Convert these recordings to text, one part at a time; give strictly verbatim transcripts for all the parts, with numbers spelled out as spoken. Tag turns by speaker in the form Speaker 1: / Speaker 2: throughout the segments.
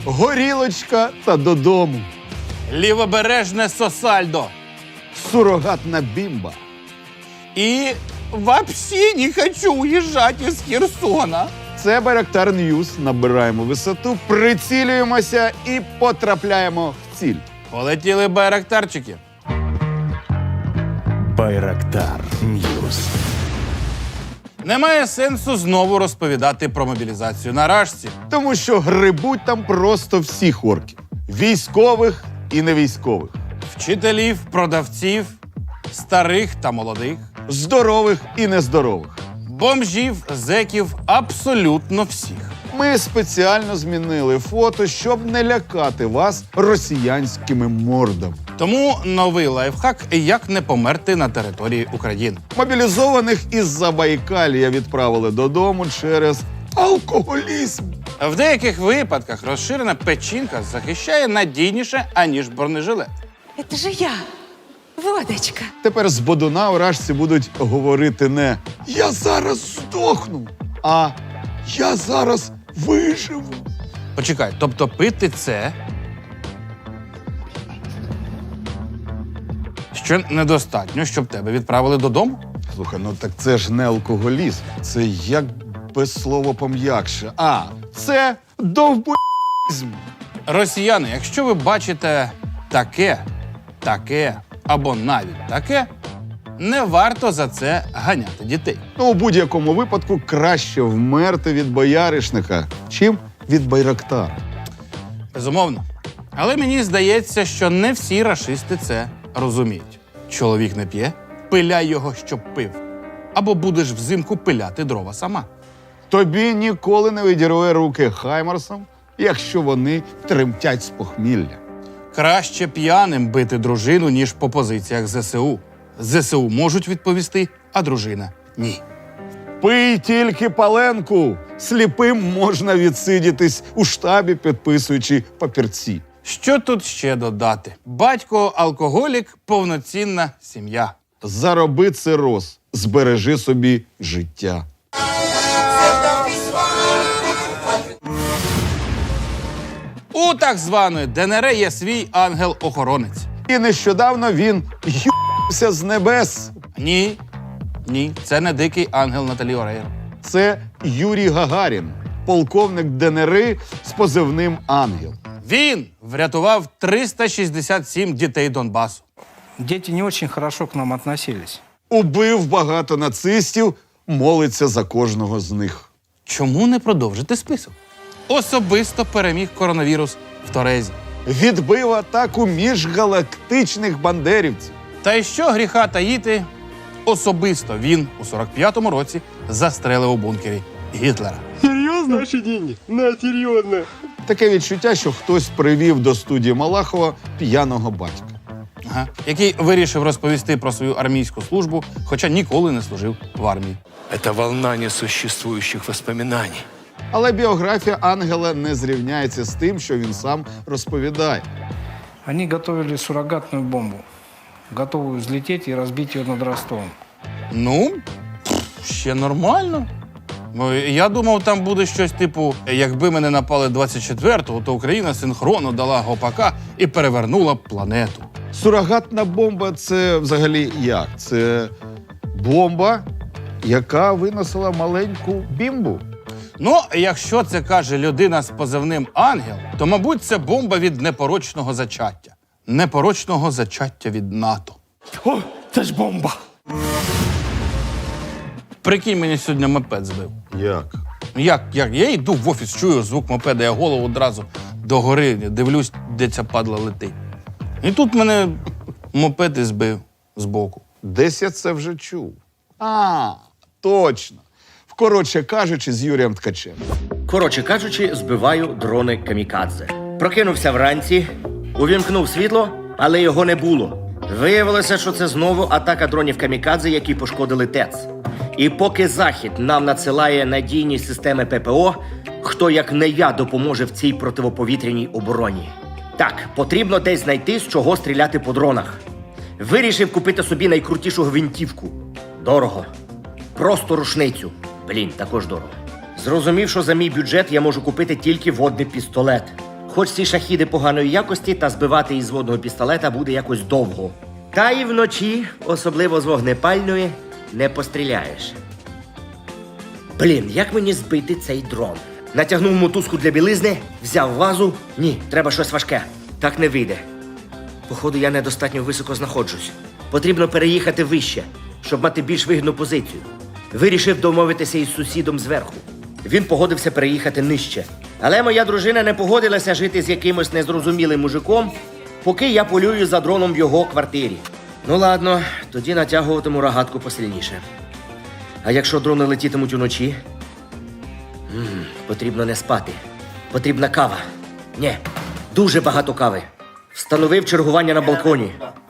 Speaker 1: горілочка та додому.
Speaker 2: Лівобережне Сосальдо.
Speaker 1: Сурогатна бімба.
Speaker 2: І вообще не хочу уїжджати із Херсона.
Speaker 1: Це Байрактар Ньюс. Набираємо висоту, прицілюємося і потрапляємо в ціль.
Speaker 2: Полетіли байрактарчики.
Speaker 3: Байрактар Ньюс.
Speaker 2: Немає сенсу знову розповідати про мобілізацію на Рашці.
Speaker 1: Тому що грибуть там просто всіх орків. Військових і невійськових.
Speaker 2: Вчителів, продавців, старих та молодих,
Speaker 1: Здорових і нездорових.
Speaker 2: бомжів, зеків, абсолютно всіх.
Speaker 1: Ми спеціально змінили фото, щоб не лякати вас росіянськими мордами.
Speaker 2: Тому новий лайфхак – як не померти на території України.
Speaker 1: Мобілізованих із Забайкалія відправили додому через алкоголізм.
Speaker 2: В деяких випадках розширена печінка захищає надійніше, аніж бронежилет.
Speaker 4: Это же я, водочка.
Speaker 1: Тепер з бодуна у Рашці будуть говорити не «Я зараз здохну», а «Я зараз виживу».
Speaker 2: Почекай, тобто пити це що недостатньо, щоб тебе відправили додому?
Speaker 1: Слухай, ну так це ж не алкоголізм. Це як без слова пом'якше. А, це довбоїзм.
Speaker 2: Росіяни, якщо ви бачите таке, таке або навіть таке, не варто за це ганяти дітей.
Speaker 1: Ну, у будь-якому випадку краще вмерти від бояришника, чим від Байрактара.
Speaker 2: Безумовно. Але мені здається, що не всі рашисти це розуміють. Чоловік не п'є, пиляй його, щоб пив. Або будеш взимку пиляти дрова сама.
Speaker 1: Тобі ніколи не відірве руки хаймарсам, якщо вони тремтять з похмілля.
Speaker 2: Краще п'яним бити дружину, ніж по позиціях ЗСУ. ЗСУ можуть відповісти, а дружина – ні.
Speaker 1: Пий тільки паленку. Сліпим можна відсидітись у штабі, підписуючи папірці.
Speaker 2: Що тут ще додати? Батько – алкоголік, повноцінна сім'я.
Speaker 1: Зароби цироз, збережи собі життя.
Speaker 2: У так званої ДНР є свій ангел-охоронець.
Speaker 1: І нещодавно він ю***ся з небес.
Speaker 2: Ні, ні, це не дикий ангел Наталі Орейро.
Speaker 1: Це Юрій Гагарін, полковник ДНР з позивним «Ангел».
Speaker 2: Він врятував триста шістдесят сім дітей Донбасу.
Speaker 5: Дети не очень хорошо к нам относились.
Speaker 1: Убив багато нацистів, молиться за кожного з них.
Speaker 2: Чому не продовжити список? Особисто переміг коронавірус в Торезі.
Speaker 1: Відбив атаку міжгалактичних бандерівців.
Speaker 2: Та й що гріха таїти, особисто він у сорок п'ятому році застрелив у бункері Гітлера.
Speaker 6: Серьезно? Наши деньги? На, серьезно.
Speaker 1: Таке відчуття, що хтось привів до студії Малахова п'яного батька.
Speaker 2: Ага. Який вирішив розповісти про свою армійську службу, хоча ніколи не служив в армії.
Speaker 3: Это волна несуществующих воспоминаний.
Speaker 1: Але біографія Ангела не зрівняється з тим, що він сам розповідає.
Speaker 5: Они готовили суррогатную бомбу, готовую взлететь и разбить ее над Ростовом.
Speaker 2: Ну, пф, ще нормально. Ну, я думав, там буде щось типу, якби мене напали двадцять четвертого, то Україна синхронно дала гопака і перевернула б планету.
Speaker 1: Сурогатна бомба – це взагалі як? Це бомба, яка виносила маленьку бімбу.
Speaker 2: Ну, якщо це каже людина з позивним «Ангел», то, мабуть, це бомба від непорочного зачаття. Непорочного зачаття від НАТО.
Speaker 3: О, це ж бомба!
Speaker 2: Прикинь, мені сьогодні мопед збив.
Speaker 1: Як?
Speaker 2: Як, як? Я йду в офіс, чую звук мопеда, я голову одразу догори, дивлюсь, де ця падла летить. І тут мене мопед і збив збоку.
Speaker 1: Десь я це вже чув. А, точно. Коротше кажучи, з Юрієм Ткачем.
Speaker 7: Коротше кажучи, збиваю дрони камікадзе. Прокинувся вранці, увімкнув світло, але його не було. Виявилося, що це знову атака дронів камікадзе, які пошкодили ТЕЦ. І поки Захід нам надсилає надійні системи ППО, хто як не я допоможе в цій противоповітряній обороні. Так, потрібно десь знайти, з чого стріляти по дронах. Вирішив купити собі найкрутішу гвинтівку. Дорого. Просто рушницю. Блін, також дорого. Зрозумів, що за мій бюджет я можу купити тільки водний пістолет. Хоч ці шахіди поганої якості, та збивати із водного пістолета буде якось довго. Та і вночі, особливо з вогнепальної, не постріляєш. Блін, як мені збити цей дрон? Натягнув мотузку для білизни, взяв вазу. Ні, треба щось важке. Так не вийде. Походу, я недостатньо високо знаходжусь. Потрібно переїхати вище, щоб мати більш вигідну позицію. Вирішив домовитися із сусідом зверху. Він погодився переїхати нижче. Але моя дружина не погодилася жити з якимось незрозумілим мужиком, поки я полюю за дроном в його квартирі. Ну ладно, тоді натягуватиму рогатку посильніше. А якщо дрони летітимуть уночі? М-м, потрібно не спати. Потрібна кава. Ні, дуже багато кави. Встановив чергування на балконі.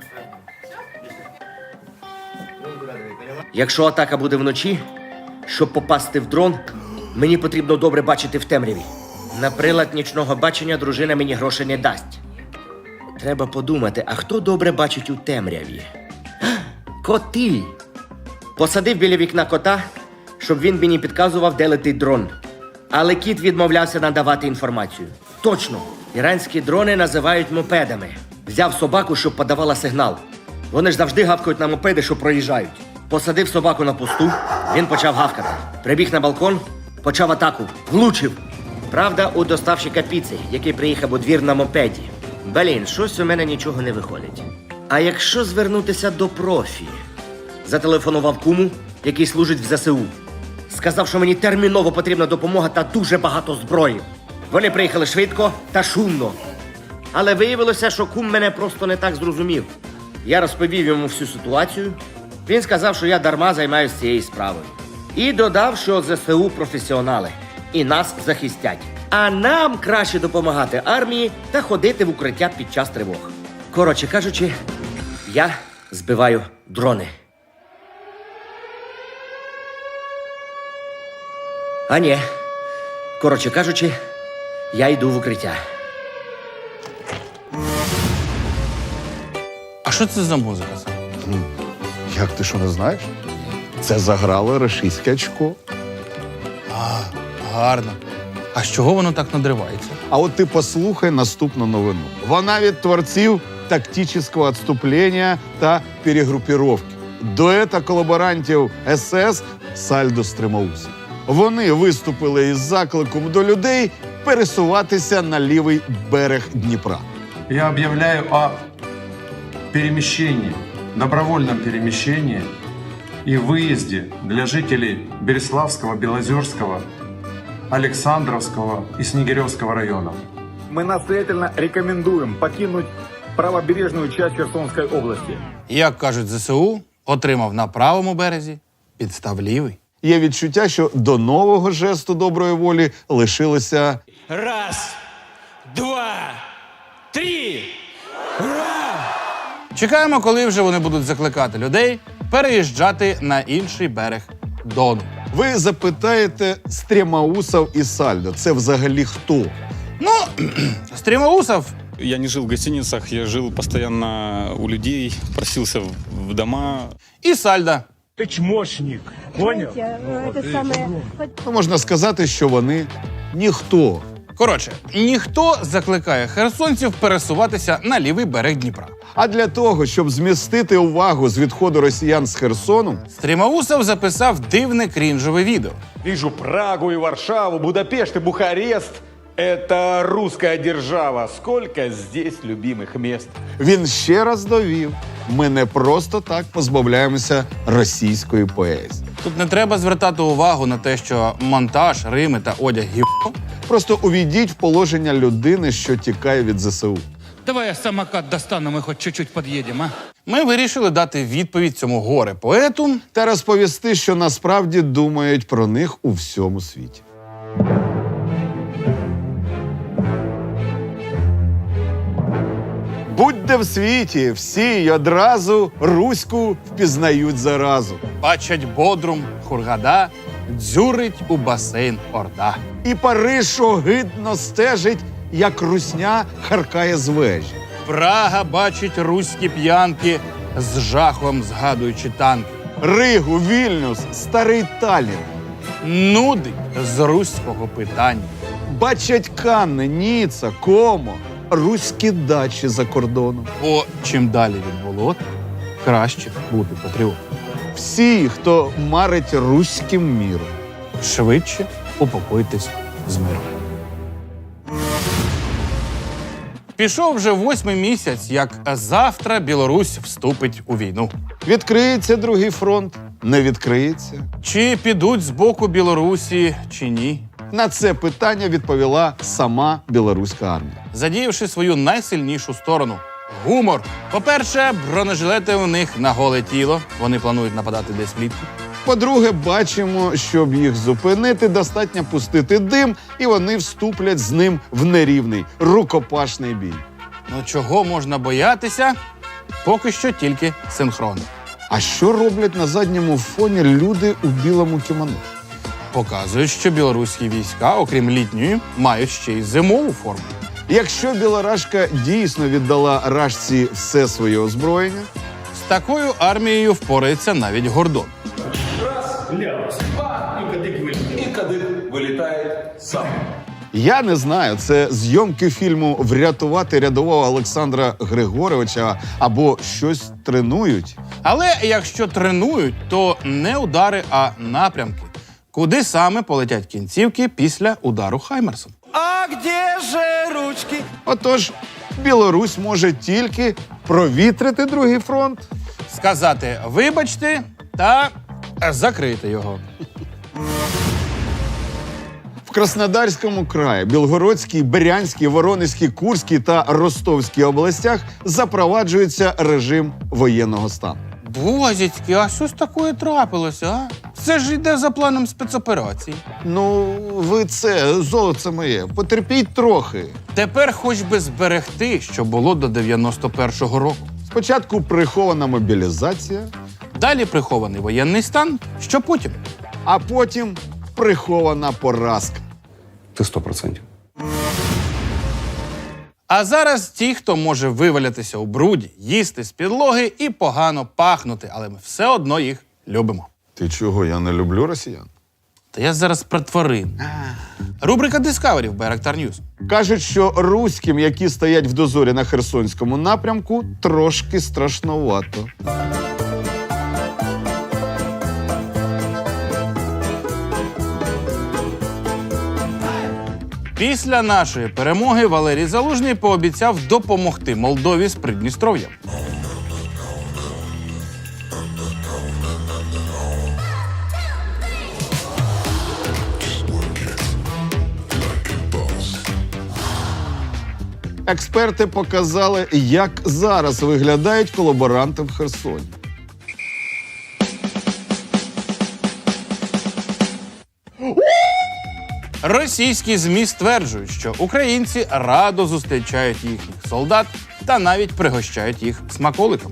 Speaker 7: Якщо атака буде вночі, щоб попасти в дрон, мені потрібно добре бачити в темряві. На прилад нічного бачення дружина мені грошей не дасть. Треба подумати, а хто добре бачить у темряві? Коти! Посадив біля вікна кота, щоб він мені підказував, де летить дрон. Але кіт відмовлявся надавати інформацію. Точно! Іранські дрони називають мопедами. Взяв собаку, щоб подавала сигнал. Вони ж завжди гавкають на мопеди, що проїжджають. Посадив собаку на посту, він почав гавкати. Прибіг на балкон, почав атаку. Влучив. Правда, у доставщика піци, який приїхав у двір на мопеді. Блін, щось у мене нічого не виходить. А якщо звернутися до профі? Зателефонував куму, який служить в ЗСУ. Сказав, що мені терміново потрібна допомога та дуже багато зброї. Вони приїхали швидко та шумно. Але виявилося, що кум мене просто не так зрозумів. Я розповів йому всю ситуацію. Він сказав, що я дарма займаюся цією справою. І додав, що ЗСУ професіонали. І нас захистять. А нам краще допомагати армії та ходити в укриття під час тривог. Коротше кажучи, я збиваю дрони. А ні. Коротше кажучи, я йду в укриття.
Speaker 2: А що це за музика?
Speaker 1: Як ти що не знаєш? Це заграло рашистське очко.
Speaker 2: Гарно. А з чого воно так надривається?
Speaker 1: А от ти послухай наступну новину. Вона від творців тактичного відступлення та перегрупіровки. Дуета колаборантів ес ес Сальдо Стримаусів. Вони виступили із закликом до людей пересуватися на лівий берег Дніпра.
Speaker 8: Я объявляю о перемещении, добровольном перемещении и выезде для жителей Береславского, Белозерского, Александровского и Снегиревского районов.
Speaker 9: Мы настоятельно рекомендуем покинуть правобережную часть Херсонской области.
Speaker 2: Як кажуть ЗСУ, отримав на правому березі, підстав лівий.
Speaker 1: Є відчуття, що до нового жесту доброї волі лишилося
Speaker 3: Раз, два, три.
Speaker 2: Чекаємо, коли вже вони будуть закликати людей переїжджати на інший берег Дону.
Speaker 1: Ви запитаєте Стремаусов і Сальдо. Це взагалі хто?
Speaker 2: Ну, Стримаусов
Speaker 10: Я не жил в гостиницах, я жил постоянно у людей, просился в, в дома.
Speaker 2: і Сальда.
Speaker 6: Ты чмошник, понял?
Speaker 1: Ну, можна сказати, що вони ніхто.
Speaker 2: Коротше, ніхто закликає херсонців пересуватися на лівий берег Дніпра.
Speaker 1: А для того, щоб змістити увагу з відходу росіян з Херсону,
Speaker 2: Стримаусов записав дивне крінжове відео.
Speaker 6: Вижу Прагу и Варшаву, Будапешт и Бухарест. Это русская держава. Сколько здесь любимых мест.
Speaker 1: він ще раз довів, ми не просто так позбавляємося російської поезії.
Speaker 2: Тут не треба звертати увагу на те, що монтаж, рими та одяг гівно.
Speaker 1: Просто увійдіть в положення людини, що тікає від ЗСУ.
Speaker 11: Давай я самокат достану, мы хоть чуть-чуть подъедем, а?
Speaker 2: Ми вирішили дати відповідь цьому горе-поету.
Speaker 1: Та розповісти, що насправді думають про них у всьому світі. Будь-де в світі, всі й одразу руську впізнають заразу.
Speaker 2: Бачать Бодрум, Хургада, дзюрить у басейн Орда.
Speaker 1: І Париж огидно стежить, як русня харкає з вежі.
Speaker 2: Прага бачить руські п'янки, з жахом згадуючи танки.
Speaker 1: Ригу, Вільнюс, старий Таллін.
Speaker 2: Нудить з руського питання.
Speaker 1: Бачать Канни, Ніца, Комо, руські дачі за кордоном.
Speaker 2: Бо чим далі від болот, краще бути патріотом.
Speaker 1: Всі, хто марить руським міром.
Speaker 2: Швидше упокойтесь з миром. Пішов вже восьмий місяць, як завтра Білорусь вступить у війну.
Speaker 1: Відкриється другий фронт, не відкриється.
Speaker 2: Чи підуть з боку Білорусі, чи ні?
Speaker 1: На це питання відповіла сама білоруська армія.
Speaker 2: Задіявши свою найсильнішу сторону – гумор. По-перше, бронежилети у них на голе тіло. Вони планують нападати десь влітку.
Speaker 1: По-друге, бачимо, щоб їх зупинити, достатньо пустити дим, і вони вступлять з ним в нерівний, рукопашний бій.
Speaker 2: Ну чого можна боятися? Поки що тільки синхронно.
Speaker 1: А що роблять на задньому фоні люди у білому кімоно?
Speaker 2: Показують, що білоруські війська, окрім літньої, мають ще й зимову форму.
Speaker 1: Якщо білорашка дійсно віддала рашці все своє озброєння,
Speaker 2: з такою армією впорається навіть Гордон.
Speaker 1: я не знаю, це зйомки фільму «Врятувати рядового Олександра Григоровича» або щось тренують.
Speaker 2: Але якщо тренують, то не удари, а напрямки. Куди саме полетять кінцівки після удару Хаймерсом?
Speaker 3: А где же ручки?
Speaker 1: Отож, Білорусь може тільки провітрити другий фронт.
Speaker 2: Сказати «вибачте» та закрити його.
Speaker 1: В Краснодарському краї, Білгородській, Брянській, Воронезькій, Курській та Ростовській областях запроваджується режим воєнного стану.
Speaker 2: Бозіцьки, а що ж таке трапилося, а? Це ж йде за планом спецоперації.
Speaker 1: Ну, ви це, золоце моє, потерпіть трохи.
Speaker 2: Тепер хоч би зберегти, що було до дев'яносто першого року.
Speaker 1: Спочатку прихована мобілізація,
Speaker 2: Далі прихований воєнний стан, що потім?
Speaker 1: а потім прихована поразка.
Speaker 8: Ты сто процентов.
Speaker 2: А зараз ті, хто може вивалятися у бруді, їсти з підлоги і погано пахнути, але ми все одно їх любимо.
Speaker 1: Ти чого, я не люблю росіян?
Speaker 2: Та я зараз про тварин. Рубрика Discovery в Байрактар Ньюс.
Speaker 1: Кажуть, що руським, які стоять в дозорі на Херсонському напрямку, трошки страшновато.
Speaker 2: Після нашої перемоги Валерій Залужний пообіцяв допомогти Молдові з Придністров'ям.
Speaker 1: Експерти показали, як зараз виглядають колаборанти в Херсоні.
Speaker 2: Російські ЗМІ стверджують, що українці радо зустрічають їхніх солдат та навіть пригощають їх смаколиками.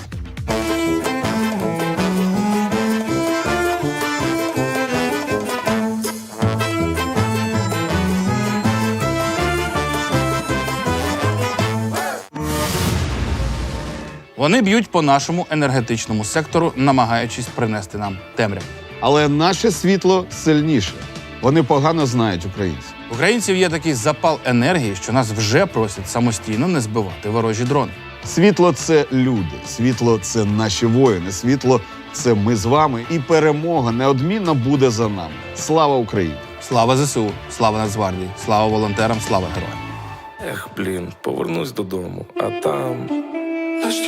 Speaker 2: Вони б'ють по нашому енергетичному сектору, намагаючись принести нам темряву.
Speaker 1: Але наше світло сильніше. Вони погано знають українців.
Speaker 2: У українців є такий запал енергії, що нас вже просять самостійно не збивати ворожі дрони.
Speaker 1: Світло – це люди, світло – це наші воїни, світло – це ми з вами, і перемога неодмінно буде за нами. Слава Україні!
Speaker 2: Слава ЗСУ, слава Нацгвардії, слава волонтерам, слава героям.
Speaker 12: Ех, блін, повернусь додому, а там...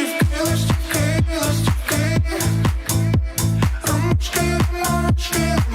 Speaker 13: Ластівки, ластівки, ручки, ручки,